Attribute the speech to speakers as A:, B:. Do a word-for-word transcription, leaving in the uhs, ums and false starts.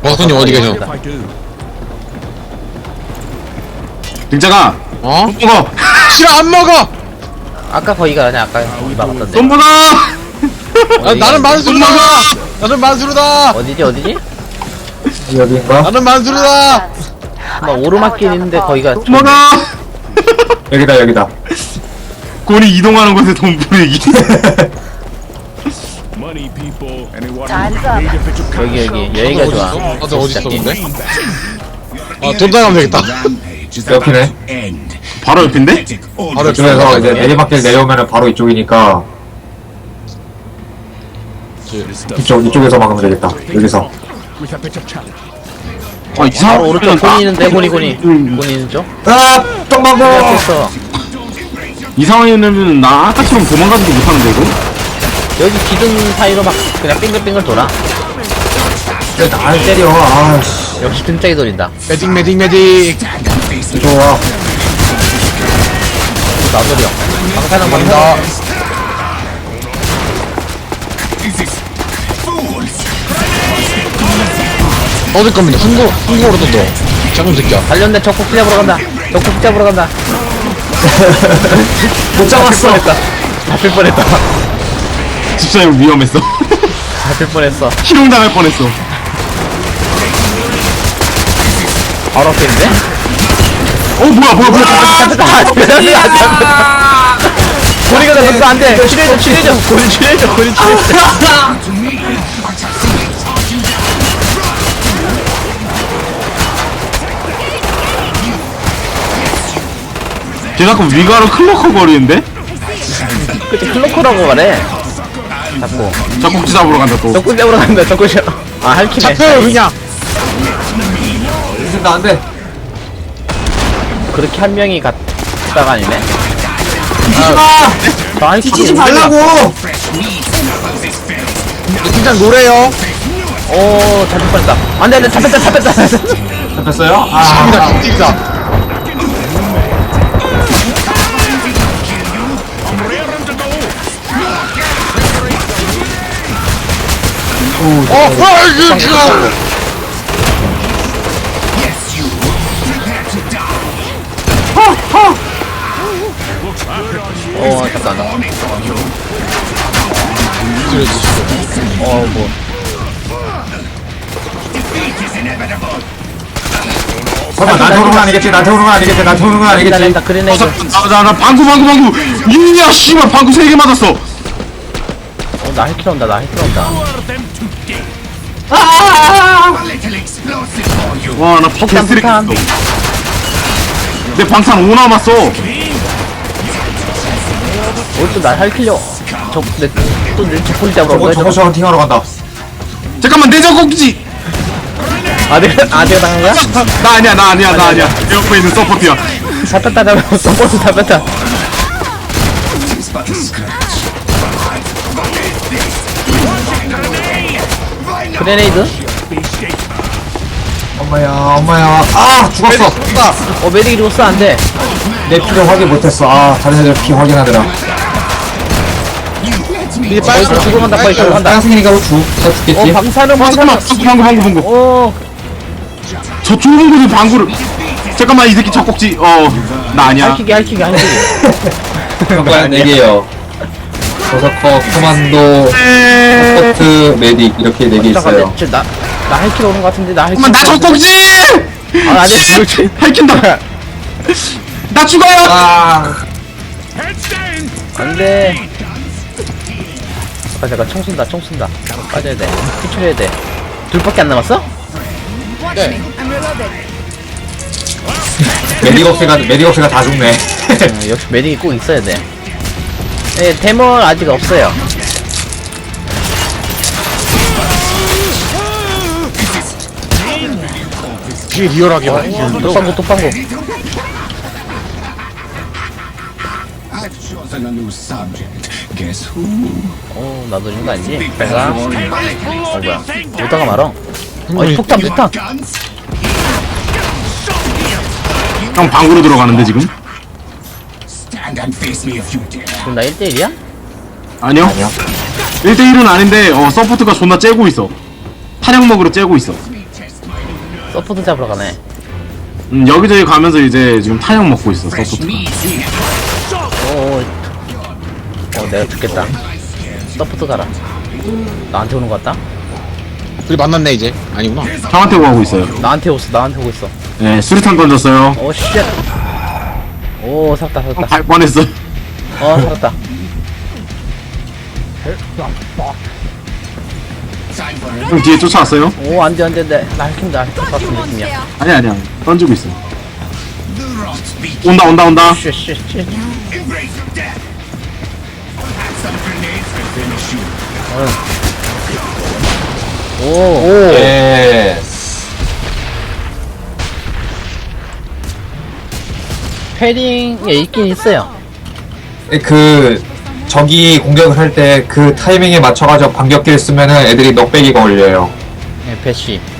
A: 버섯님 어디 계셔?
B: 등장아.
A: 어?
B: 돈 먹어.
A: 싫어 안 먹어!
C: 아까 거기가 아니야. 아까 이 막았던데.
B: 돈 먹어.
A: 아, 나는 만수르다! 나는 만수르다!
C: 어디지 어디지?
D: 여기인가?
A: 나는 만수르다!
C: 막 오르막길 있는데 거기가
B: 돈 먹어.
D: 여기다 여기다.
B: 곤이 이동하는 곳에 돈 뿌리기.
C: 여기 여기 여기가 좋아.
A: 다들 어디 있어 근데? 아, 돈 나가면 되겠다.
D: 옆이네.
B: 바로 옆인데?
A: 바로
D: 이쪽에서 이제 내리막길 내려오면은 바로 이쪽이니까 이쪽 이쪽에서 막으면 되겠다. 여기서.
B: 아,
C: 바로
B: 이상한
C: 오른쪽
B: 나-
C: 곤이 있는데 곤이 곤이
B: 음.
C: 곤이 있는 쪽?
D: 아, 똥망고.
C: 됐어.
B: 이 상황이면 나 아까처럼 도망가지도 못하는데 이거?
C: 여기 기둥 사이로 막 그냥 빙글빙글 돌아.
D: 왜 나를 때려? 아씨.
C: 역시 등짝이 돌린다.
A: 매직 매직 매직!
D: 좋아.
C: 나돌이요. 방사능
A: 간다.
C: 방사.
A: 어딜 겁니다. 한국, 한국어로 또 또. 작은 새끼야.
C: 관련된 적국 잡으러 간다. 적국 잡으러 간다.
D: 못 잡았어.
C: 잡힐 뻔했다.
B: 집사님 위험했어.
C: 잡힐 뻔했어.
B: 희롱당할 뻔했어.
C: 바로 앞에 있는데?
B: 어 뭐야 뭐야 뭐야.
C: 잡혔다. 잡혔다. 잡혔다. 고리가 잡혔어. 안 돼. 치료해줘. 치료해줘. 고리 치료해줘. 고리 치료해줘.
B: 걔 자꾸 위가로 클로커 거리는데?
C: 그치 클로커라고 말해. 잡고.
B: 잡곡지 잡으러 간다 또.
C: 적국 잡으러 간다. 적국 잡. 아 할키네.
A: 잡혀요 그냥!
D: 이거 안 돼.
C: 그렇게 한 명이 갔다가 아니네.
D: 뛰지 마.
C: 나 할키지.
D: 뛰지 말라고.
A: 팀장 노래요!
C: 오 잡힐 뻔했다. 안돼 안돼 잡혔다 잡혔다.
D: 잡혔어요?
A: 팀이다
D: 아.
A: 팀장! 어! 아 이거 지금!
C: 어 잠깐만. 어 뭐.
D: 설마 나한테 오는 건 아니겠지? 나한테 오는 건 아니겠지? 나한테 오는 건 아니겠지?
C: 기다린다 그레네이드.
B: 나나 방구 방구 방구. 이야 씨발 방구 세 개 맞았어.
C: 어나 헬키러 온다. 나 헬키러 온다.
B: 와나
C: 폭탄,
B: 개쓰레기.
C: 폭탄.
B: 내 방탄 오 남았어.
C: 어또날 헬키려. 저내또내 적군이 잡으러 온
D: 저거
C: 거야.
D: 저거 저 헌팅하러 간다.
B: 잠깐만 내 잡곡지.
C: 아 내가 아 내가 당한 거야?
B: 나 아니야 나 아니야 나 아니야. 내 옆에 있는 서포트야.
C: 잡혔다 잡혔어. 버스 잡혔다. 그레네이드?
D: 엄마야, 엄마야. 아, 죽었어.
C: 어 메딕이 죽었어 안돼.
D: 내 피를 확인 못했어. 아, 다른 애들 피 확인하더라.
A: 이제
C: 거의 또 죽으러 간다. 거의 죽으러 간다.
D: 땅승이니까 죽, 다
C: 어
D: 죽겠지?
C: 방사능
B: 잠깐만
C: 방사능.
B: 방구 방구 방구 방구.
C: 어
B: 저 좁은 곳에 방구를. 잠깐만 이 새끼 젖꼭지. 어나 아니야.
C: 할키기 할키기 할키기.
D: 평가는 네 개요. 버서커, 코만도, 서포트, 메딕 이렇게 네 개 있어요.
C: 잠깐만 나나 할키러 오는 거 같은데 나 할키.
B: 잠깐만 나 젖꼭지.
C: 아 안돼 그렇지.
B: 할킨다. 나 죽어요.
D: 아,
C: 안돼. 아 잠깐 총 쏜다 총 쏜다. 빠져야 돼. 피출해야 돼. 둘밖에 안 남았어?
A: 네.
D: 메딕업스가 메딕업스가 다 죽네.
C: 어, 역시 메딕이 꼭 있어야 돼. 네, 데몬 아직 없어요.
A: 되게 리얼하게 말해.
C: 뚝방구 뚝방구. 어 나도 이런 거 아니지? 내가 어 뭐야 오다가 말어. 어이 폭탄 폭탄.
B: 형 방구로 들어가는데 지금?
C: 그럼 나 일 대 일이야?
B: 아니요.
D: 아니요.
B: 일 대 일은 아닌데 어 서포트가 존나 째고 있어. 탄약 먹으러 째고 있어.
C: 서포트 잡으러 가네.
B: 음, 여기저기 가면서 이제 지금 탄약 먹고 있어 서포트가.
C: 오, 어, 내가 죽겠다. 서포트 가라. 나한테 오는 것 같다?
A: 둘이 만났네 이제. 아니구나.
B: 형한테 오고 있어요.
C: 나한테 오고 있어, 나한테 오고 있어.
B: 네, 수류탄 던졌어요.
C: 오, 쉣. 오, 살았다, 살았다.
B: 갈 뻔했어.
C: 어, 살았다.
B: 형 뒤에 쫓아왔어요?
C: 오, 안 돼, 안 돼, 안 돼. 나 헬킴, 나 헬킴 같은 느낌이야.
B: 아니 아니야. 던지고 있어. 온다 온다 온다.
C: 쉣, 쉣, 쉣. 오, 오.
D: 예.
C: 패링에 있긴 있어요.
D: 그 적이 공격을 할 때 그 타이밍에 맞춰가지고 반격기를 쓰면은 애들이 넉배기가 올려요.
C: 네, 배시.